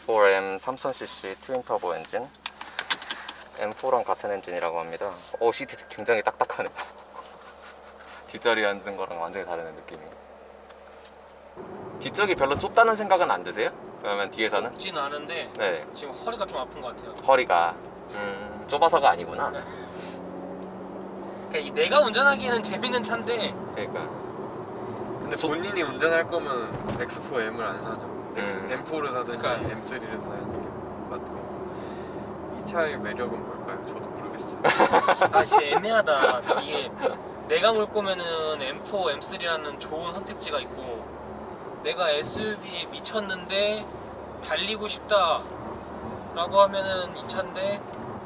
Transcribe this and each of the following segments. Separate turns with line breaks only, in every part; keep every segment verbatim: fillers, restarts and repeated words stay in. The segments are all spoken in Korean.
엑스 포 엠 삼천 씨씨 트윈 터보 엔진, 엠 포랑 같은 엔진이라고 합니다. 오, 시트 굉장히 딱딱하네요. 뒷자리에 앉은 거랑 완전히 다른 느낌이. 뒷쪽이 별로 좁다는 생각은 안 드세요? 그러면 뒤에서는?
좁진 않은데
네.
지금 허리가 좀 아픈 것 같아요.
허리가 음, 좁아서가 아니구나.
그러니까 이 내가 운전하기에는 재밌는 차인데.
그러니까.
근데 본인이 운전할 거면 엑스 포 엠을 안 사죠.
음.
엠 포를 사든지
그러니까.
엠 쓰리를 사야 되는 게 맞고. 이 차의 매력은 뭘까요? 저도 모르겠어요.
아 진짜 애매하다. 이게 내가 몰 거면은 엠 포, 엠 쓰리라는 좋은 선택지가 있고, 내가 에스유브이에 미쳤는데 달리고 싶다 라고 하면은 이 차인데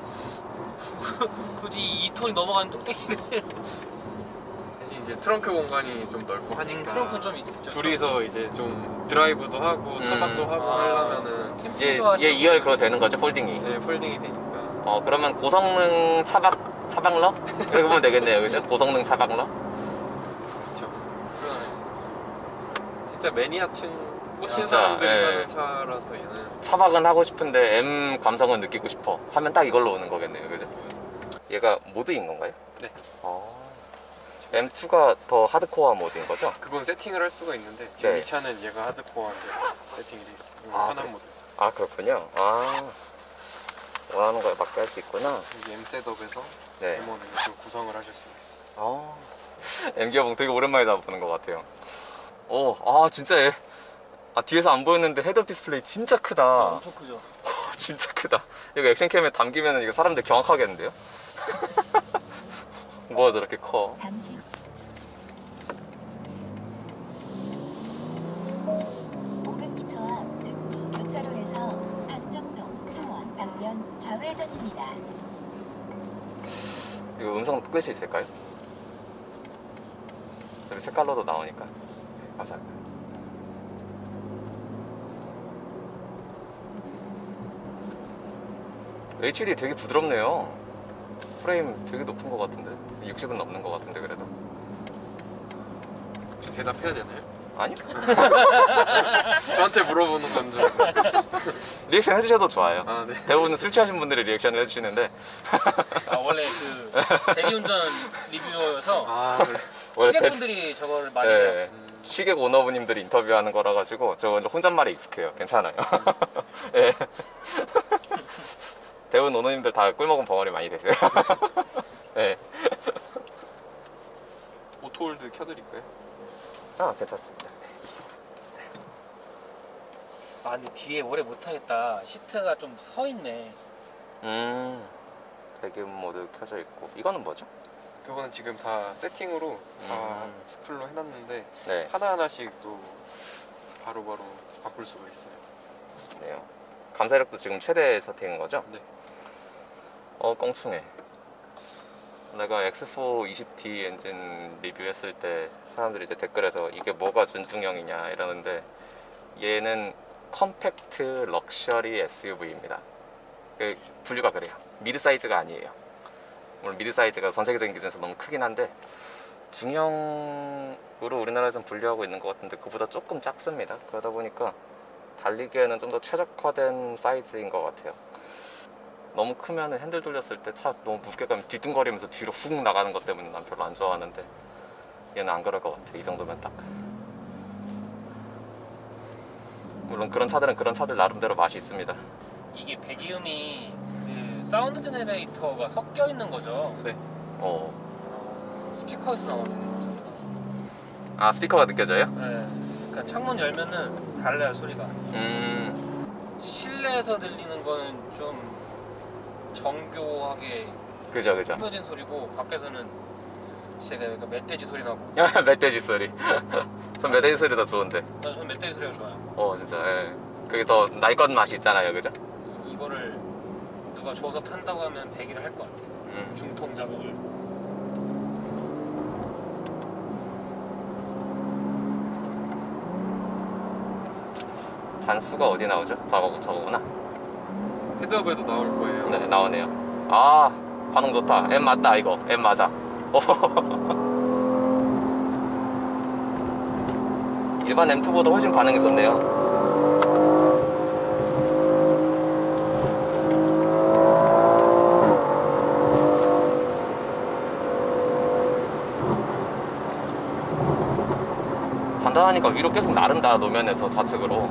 굳이 이 톤이 넘어가는 뚝배기를
사실 이제 트렁크 공간이 좀 넓고 하니까
음, 트렁크는 좀 있죠.
둘이서 이제 좀 드라이브도 하고 차박도
음.
하고
아.
하려면은
캠핑
얘,
좋아하시는
얘 이 열 그거 되는 거죠? 폴딩이.
네, 폴딩이 되니까.
어, 그러면 고성능 차박, 차박러? 이렇게 보면 되겠네요, 그죠? 고성능 차박러?
그렇죠.
그러네.
진짜 매니아층 꽂힌
진짜,
사람들이
예.
사는 차라서 얘는.
차박은 하고 싶은데 M 감성을 느끼고 싶어 하면 딱 이걸로 오는 거겠네요, 그죠? 얘가 모드인 건가요?
네.
어. 엠 투가 더 하드코어 모드인 거죠?
그건 세팅을 할 수가 있는데 지금
네.
이 차는 얘가 하드코어인데 세팅이 돼 있어요. 이건
아,
편한
그래.
모드.
아, 그렇군요. 아, 원하는 거에 맞게 할 수 있구나.
여기 M 셋업에서
네.
M 원을 좀 구성을 하실 수가 있어요.
어. M 기어봉 되게 오랜만에 보는 것 같아요. 오, 아, 진짜 얘. 아, 뒤에서 안 보였는데 헤드업 디스플레이 진짜 크다.
엄청 크죠.
진짜 크다. 이거 액션캠에 담기면 이거 사람들 경악하겠는데요? 뭐가 저렇게 커?
잠시 오백 미터 앞 늑도 교차로에서 박정동, 수원, 방면 좌회전입니다.
이거 음성 끌 수 있을까요? 어차피 색깔로도 나오니까. 네, 감사합니다. 에이치디 되게 부드럽네요. 프레임 되게 높은 것 같은데? 육십은 넘는 것 같은데 그래도?
혹시 대답해야 되나요?
아니요?
저한테 물어보는 건 줄.
리액션 해주셔도 좋아요.
아, 네.
대부분 술 취하신 분들이 리액션을 해주시는데
아 원래 그 대리운전 리뷰어여서
아, 그래.
원래 대-
시객분들이 저걸 많이 해요.
네, 시객 오너분님들이 인터뷰하는 거라 가지고 저 혼잣말에 익숙해요. 괜찮아요. 예. 대부분 오너님들 다 꿀먹은 벙어리 많이 되세요. 네.
오토홀드 켜드릴까요?
아, 괜찮습니다.
아 근데 뒤에 오래 못하겠다. 시트가 좀 서 있네.
음, 배기음 모드 켜져 있고 이거는 뭐죠?
그거는 지금 다 세팅으로 다
음.
스플로 해놨는데
네,
하나하나씩 또 바로바로 바꿀 수가 있어요.
네요. 감사력도 지금 최대 세팅인 거죠?
네.
어, 껑충해. 내가 엑스 포 이십 디 엔진 리뷰했을 때 사람들이 이제 댓글에서 이게 뭐가 준중형이냐 이러는데 얘는 컴팩트 럭셔리 에스유브이입니다. 그 분류가 그래요. 미드 사이즈가 아니에요. 물론 미드 사이즈가 전 세계적인 기준에서 너무 크긴 한데 중형으로 우리나라에서는 분류하고 있는 것 같은데 그보다 조금 작습니다. 그러다 보니까 달리기에는 좀 더 최적화된 사이즈인 것 같아요. 너무 크면 핸들 돌렸을 때 차 너무 무겁게 가면 뒤뚱거리면서 뒤로 훅 나가는 것 때문에 난 별로 안 좋아하는데 얘는 안 그럴 것 같아. 이 정도면 딱. 물론 그런 차들은 그런 차들 나름대로 맛이 있습니다.
이게 배기음이 그 사운드 제네레이터가 섞여 있는 거죠.
네.
어.
스피커에서 나오는 소리가.
아, 스피커가 느껴져요?
네. 그러니까 창문 열면은 달라요 소리가.
음,
실내에서 들리는 거는 좀 정교하게
그죠, 그죠.
꾸며진 소리고 밖에서는 제가 약간 멧돼지 소리 나고.
멧돼지 소리. 전 멧돼지 소리 더 좋은데.
나 저는 멧돼지 소리가 좋아요.
어, 진짜. 예. 그게 더 날것 맛이 있잖아요, 그죠?
이거를 누가 줘서 탄다고 하면 대기를 할 것 같아요.
음.
중통 작업을.
단수가 어디 나오죠? 저거, 저거구나.
헤드업에도 나올 거예요.
네, 나오네요. 아, 반응 좋다. M 맞다, 이거. M 맞아. 일반 엠 투보다 훨씬 반응이 좋네요. 단단하니까 위로 계속 나른다, 노면에서 좌측으로.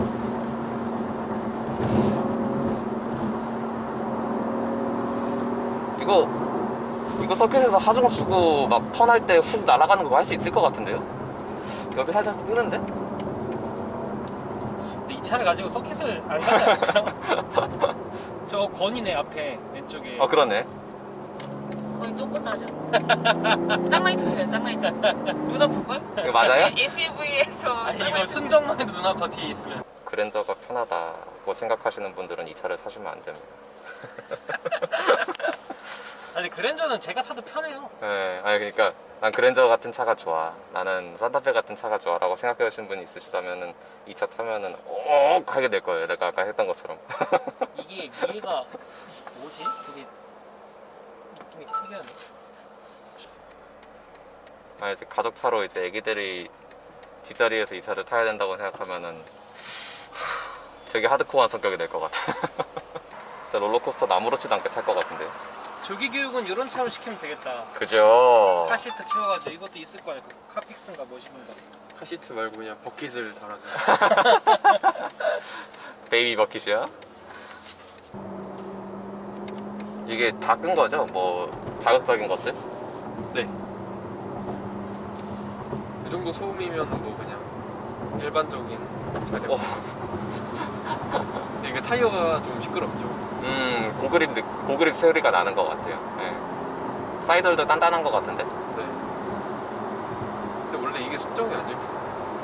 이거 이거 서킷에서 하중 주고 막 턴할 때 훅 날아가는 거 할 수 있을 것 같은데요? 옆에 살짝 뜨는데?
근데 이 차를 가지고 서킷을 안 가지 않을까요? 저 건이네 앞에 왼쪽에.
아 그러네.
거의 똑같하죠. 쌍라이트 켜요, 쌍라이트. 눈 아플걸?
이거 맞아요?
에스유브이에서
아니 이거 순정만 해도 눈 아파 뒤에 있으면.
그랜저가 편하다고 생각하시는 분들은 이 차를 사시면 안 됩니다.
아니 그랜저는 제가 타도 편해요.
네, 아니 그러니까 난 그랜저 같은 차가 좋아, 나는 산타페 같은 차가 좋아라고 생각하시는 분이 있으시다면은 이 차 타면은 오 하게 될 거예요. 내가 아까 했던 것처럼.
이게 위에가 뭐지? 되게 느낌이 특이하네.
아 이제 가족 차로 이제 애기들이 뒷자리에서 이 차를 타야 된다고 생각하면은 하, 되게 하드코어한 성격이 될 것 같아. 진짜 롤러코스터 아무렇지도 않게 탈 것 같은데요.
조기 교육은 이런 차로 시키면 되겠다.
그죠?
카시트 채워가지고 이것도 있을 거야. 그 카픽스인가 뭐시인가.
카시트 말고 그냥 버킷을 달아줘.
베이비 버킷이야? 이게 다 끈 거죠? 뭐 자극적인 것들?
네. 이 정도 소음이면 뭐 그냥 일반적인 차량.
어.
근데 이게 타이어가 좀 시끄럽죠.
음 고그립 느, 고그립 소리가 나는 것 같아요. 네. 사이드도 단단한 것 같은데?
네. 근데 원래 이게 순정이 아닐 텐데.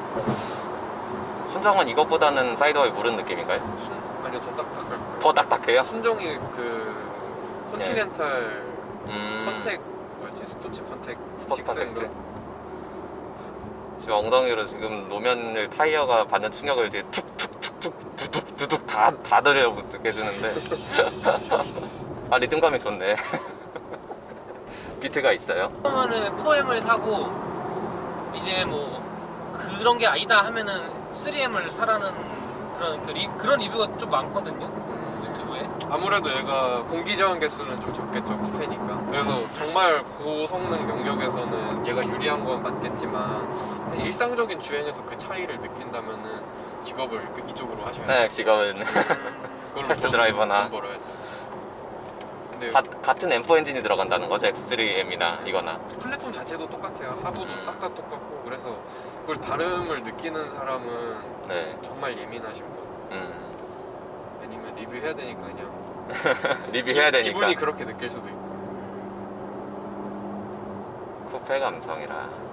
순정은 이것보다는 사이드와에 무른 느낌인가요?
순 아니요 더 딱딱할 거예요.
더 딱딱해요?
순정이 그 컨티넨탈
음,
컨택 뭐였지? 스포츠 컨택
스포츠
식스인가?
컨택트. 지금 엉덩이로 지금 노면을 타이어가 받는 충격을 이제 툭툭툭툭 두둑 두둑 다, 다 들여 해주는데 아 리듬감이 좋네. 비트가 있어요?
그러면은 포엠을 사고 이제 뭐 그런 게 아니다 하면은 쓰리엠을 사라는 그런 그 리, 그런 리뷰가 좀 많거든요.
음,
유튜브에.
아무래도 얘가 공기 저항 개수는 좀 적겠죠, 쿠페니까. 그래서 정말 고성능 영역에서는 얘가 유리한 건 맞겠지만 일상적인 주행에서 그 차이를 느낀다면은 직업을 그- 이쪽으로 하셔야 돼요.
네 직업은
그걸로
테스트
돈-
드라이버나.
돈 벌어야죠. 근데
가, 같은 엠 포 엔진이 들어간다는 거죠? 엑스 쓰리 엠이나 이거나.
플랫폼 자체도 똑같아요. 하부도
음.
싹 다 똑같고. 그래서 그걸 다름을 느끼는 사람은
네.
정말 예민하신 분.
음.
아니면 리뷰해야 되니까 그냥
리뷰해야 되니까.
기분이 그렇게 느낄 수도 있고.
쿠페 감성이라.